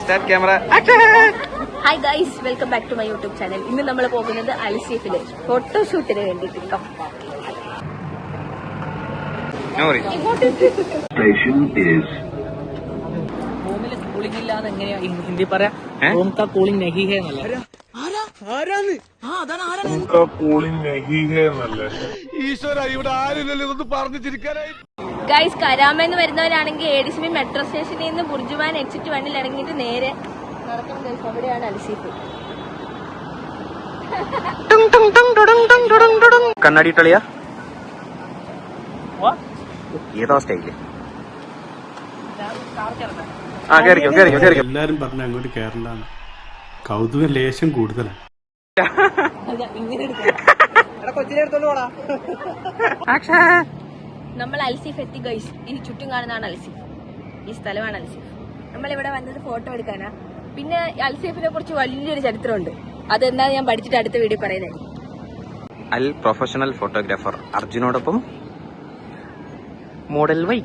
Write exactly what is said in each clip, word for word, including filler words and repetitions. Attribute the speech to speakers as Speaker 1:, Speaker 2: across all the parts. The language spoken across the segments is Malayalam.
Speaker 1: Start camera.
Speaker 2: Hi guys, welcome back to my YouTube channel. ഇന്ന് നമ്മൾ പോകുന്നത് അൽസീഫില് ഫോട്ടോഷൂട്ടിന് വേണ്ടിയിട്ട്.
Speaker 3: കൂളിംഗ് ഇല്ലാതെ എങ്ങനെയാ ഹിന്ദി പറയാ? റൂം കാ കൂളിംഗ് നഹി ഹേ എന്നല്ല.
Speaker 1: ഈശ്വര, ഇവിടെ ആരില്ലല്ലോ ഇതൊന്ന് പറഞ്ഞു ചിരിക്കാനായി.
Speaker 2: ഗൈസ്, കരാമെന്ന് വരുന്നവരാണെങ്കിൽ A D C B metro സ്റ്റേഷനിൽ നിന്ന് ബുർജുമാൻ എക്സിറ്റ് വണ്ണിൽ ഇറങ്ങിയിട്ട് നേരെ നടക്കണം. ഗൈസ്, അവിടെയാണ് അൽസീഫ്.
Speaker 1: കണ്ണാടി ഇട്ടളിയാ ഏതോ സ്റ്റൈല്.
Speaker 4: എല്ലാരും പറഞ്ഞ അങ്ങോട്ട് കേരളാണ്. കൗതുകം ലേശം കൂടുതലാണ്.
Speaker 2: നമ്മൾ അൽസീഫ് എത്തി ഗൈസ്. ഈ ചുറ്റും കാണുന്നതാണ് അൽസീഫ്. ഈ സ്ഥലമാണ് അൽസീഫ്. നമ്മളിവിടെ വന്നത് ഫോട്ടോ എടുക്കാനാ. പിന്നെ അൽസീഫിനെ കുറിച്ച് വലിയൊരു ചരിത്രമുണ്ട്. അതെന്താ ഞാൻ പഠിച്ചിട്ട് അടുത്ത വീഡിയോ പറയുന്നത്.
Speaker 1: അൽ പ്രൊഫഷണൽ ഫോട്ടോഗ്രാഫർ അർജുനോടൊപ്പം മോഡൽ വൈക.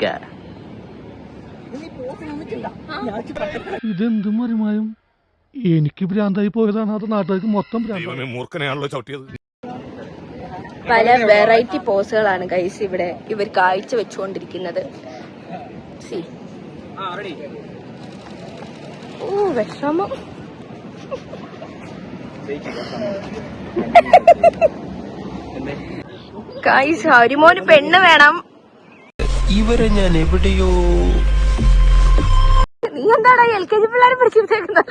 Speaker 5: ഇതെന്ത് മറിമായും എനിക്ക് ഭ്രാന്തായി പോയതാണ്. അത് നാട്ടുകാർക്ക് മൊത്തം
Speaker 6: മൂർഖനെയാണല്ലോ ചവിട്ടിയത്.
Speaker 2: പല വെറൈറ്റി പോസുകളാണ് ഗൈസ് ഇവിടെ ഇവർ കാഴ്ച വെച്ചുകൊണ്ടിരിക്കുന്നത്. ഓ വിഷമം. ഗൈസ്, ഹരിമോന് പെണ്ണ് വേണം.
Speaker 6: ഇവരെ ഞാൻ എവിടെയോ.
Speaker 2: നീ എന്താടാ എൽ കെ ജി പിള്ളേരെ പിടിച്ചിട്ടേക്കുന്നത്?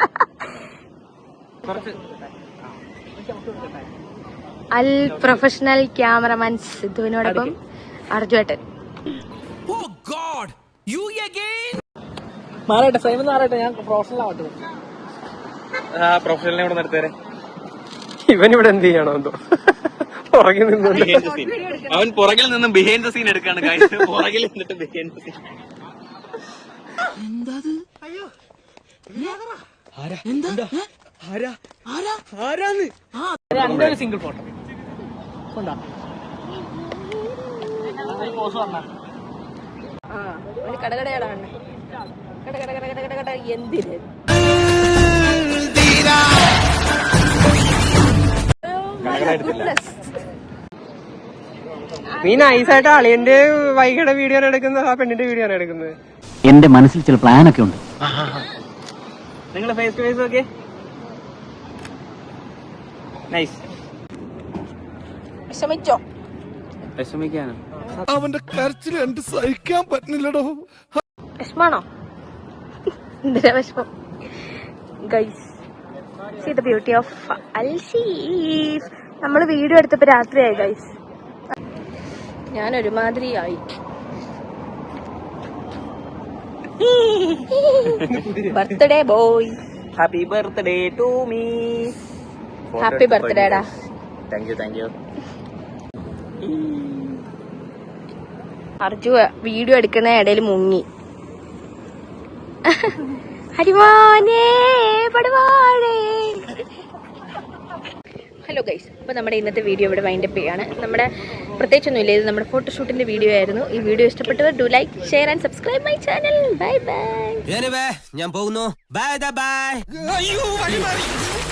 Speaker 2: അൽ പ്രൊഫഷണൽ ക്യാമറമാൻ സിദ്ധുവിനോടൊപ്പം അർജുവേട്ടൻ.
Speaker 3: മാറട്ടെ, ഫ്രെയിം മാറട്ടെ, ഞാൻ പ്രൊഫഷണൽ ആവട്ടെ.
Speaker 1: പ്രൊഫഷണലിനെ ഇവിടെ നിർത്തേരെ. ഇവൻ ഇവിടെ എന്ത് ചെയ്യണോ എന്തോ പുറകിൽ നിന്ന് അവൻ പുറകിൽ നിന്നും ബിഹൈൻഡ് ദ സീൻ എടുക്കാണ്. പുറകിൽ നിന്നിട്ട് ബിഹൈൻഡ് ദ സീൻ.
Speaker 3: രണ്ടൊരു സിംഗിൾ ഫോട്ടോ കൊണ്ടാ പോസ് പറഞ്ഞ
Speaker 2: കടകടയാണ്. കട കട കട കട കട എന്തിന്
Speaker 1: നീ നൈസായിട്ട് അളിയന്റെ വൈകിയുടെ വീഡിയോ ആണ് എടുക്കുന്നത്, ആ പെണ്ണിന്റെ വീഡിയോ ആണ് എടുക്കുന്നത്.
Speaker 7: എന്റെ മനസ്സിൽ ചില പ്ലാനൊക്കെ ഉണ്ട്.
Speaker 1: നിങ്ങള് face to face okay. Nice.
Speaker 2: വിഷമിച്ചോ?
Speaker 1: വിഷമിക്കാനോ?
Speaker 5: അവന്റെ കരച്ചിൽ കണ്ട് സഹിക്കാൻ പറ്റുന്നില്ലടോ.
Speaker 2: വിഷമാണോ? എന്തിനാ വിഷമം? Guys, see the beauty of Al Seef. നമ്മള് വീഡിയോ എടുത്തപ്പോ രാത്രിയായി ഗൈസ്. ഞാൻ ഒരുമാതിരിയായി. Birthday boy,
Speaker 1: happy birthday to me.
Speaker 2: Happy ബർത്ത്ഡേടാ.
Speaker 1: Thank you thank you.
Speaker 2: Arju video എടുക്കുന്ന ഇടയിൽ മുങ്ങി. ഹരിമാനേ പടുവാഴേ. ഹലോ ഗൈസ്, അപ്പോൾ നമ്മുടെ ഇന്നത്തെ വീഡിയോ ഇവിടെ വൈൻഡപ്പ് ചെയ്യാണ്. നമ്മുടെ പ്രത്യേകിച്ചൊന്നുമില്ല, ഇത് നമ്മുടെ ഫോട്ടോഷൂട്ടിന്റെ വീഡിയോ ആയിരുന്നു. ഈ വീഡിയോ ഇഷ്ടപ്പെട്ടവർ do like, share and subscribe my channel. Bye bye.
Speaker 6: ഞാൻ പോകുന്നു. Bye by.